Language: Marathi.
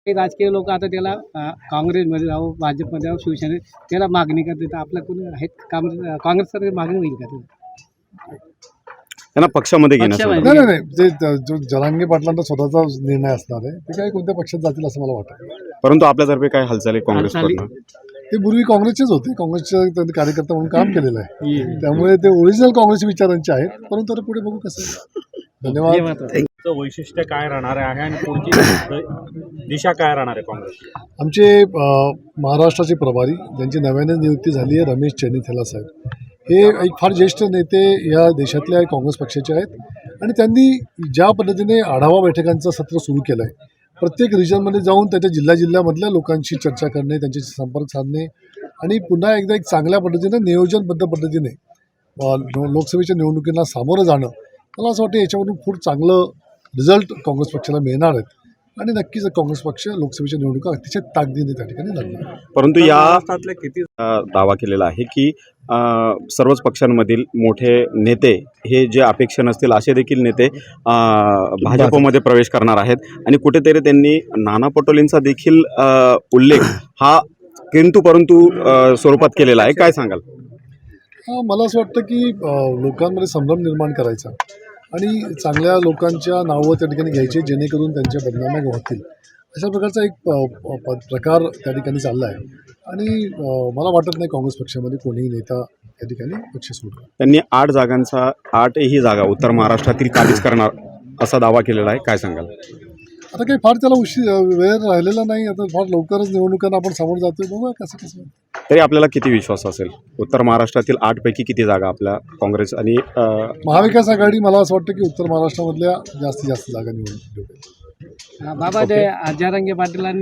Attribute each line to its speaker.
Speaker 1: काही राजकीय लोक आता त्याला काँग्रेसमध्ये जावं, भाजपमध्ये जावं, शिवसेनेत त्याला मागणी करते. तर आपल्या कोणी आहेत काँग्रेसकडे मागणी होईल का ते?
Speaker 2: त्यांना पक्षामध्ये
Speaker 1: पक्षामध्ये.
Speaker 2: घेण्यासाठी
Speaker 3: नाही नाही ते जो जरांगे पाटलांचा स्वतःचा निर्णय असणार आहे ते काही कोणत्या पक्षात जातील असं मला वाटतं.
Speaker 2: परंतु आपल्यातर्फे काय हालचाली काँग्रेसकडनं?
Speaker 3: ते पूर्वी काँग्रेसचेच होते, काँग्रेसचे त्यांनी कार्यकर्ता म्हणून काम केलेलं आहे, त्यामुळे ते ओरिजिनल काँग्रेस विचारांचे आहेत. परंतु आता पुढे बघू कसं आहे. धन्यवाद.
Speaker 4: वैशिष्ट्य काय राहणार आहे आणि पुढची दिशा काय राहणार आहे काँग्रेस?
Speaker 3: आमचे महाराष्ट्राचे प्रभारी ज्यांची नव्याने नियुक्ती झाली आहे, रमेश चेन्नीथला साहेब, हे एक फार ज्येष्ठ नेते या देशातल्या काँग्रेस पक्षाचे आहेत आणि त्यांनी ज्या पद्धतीने आढावा बैठकांचं सत्र सुरू केलं आहे, प्रत्येक रिजनमध्ये जाऊन त्याच्या जिल्ह्यामधल्या लोकांशी चर्चा करणे, त्यांच्याशी संपर्क साधणे आणि पुन्हा एकदा एक चांगल्या पद्धतीने नियोजनबद्ध पद्धतीने लोकसभेच्या निवडणुकींना सामोरं जाणं, मला असं वाटतं याच्यामधून खूप चांगलं रिझल्ट काँग्रेस पक्षाला मिळणार आहेत आणि नक्कीच काँग्रेस पक्ष लोकसभेच्या निवडणुका अतिशय ताकदीने त्या ठिकाणी लढणार.
Speaker 2: परंतु या किती दावा केलेला आहे की सर्वच पक्षांमधील मोठे नेते हे जे अपेक्षा नसतील असे देखील नेते भाजपमध्ये प्रवेश करणार आहेत आणि कुठेतरी त्यांनी नाना पटोलेंचा देखील उल्लेख हा किंतु परंतु स्वरूपात केलेला आहे. काय सांगाल?
Speaker 3: मला असं वाटतं की लोकांमध्ये संभ्रम निर्माण करायचा आणि चांगल्या लोकांच्या नावं त्या ठिकाणी घ्यायचे जेणेकरून त्यांच्या बदनाम्या होतील, अशा प्रकारचा एक प्रकार त्या ठिकाणी चालला आहे आणि मला वाटत नाही काँग्रेस पक्षामध्ये कोणीही नेता त्या ठिकाणी पक्ष सोडला.
Speaker 2: त्यांनी 8 जागा उत्तर महाराष्ट्रातील काबीज करणार असा दावा केलेला आहे. काय सांगाल?
Speaker 3: आता काही फार त्याला वेळ राहिलेला नाही, आता फार लवकरच निवडणुकांना आपण समोर जातोय, बघूया कसं.
Speaker 2: तरी आपल्याला किती विश्वास असेल उत्तर महाराष्ट्रातील 8 पैकी किती जागा आपल्या काँग्रेस आणि
Speaker 3: महाविकास आघाडी, मला असं वाटतं की उत्तर महाराष्ट्रामधल्या जास्तीत जास्त जागा निवडून
Speaker 1: बाबा ते जरांगे पाटील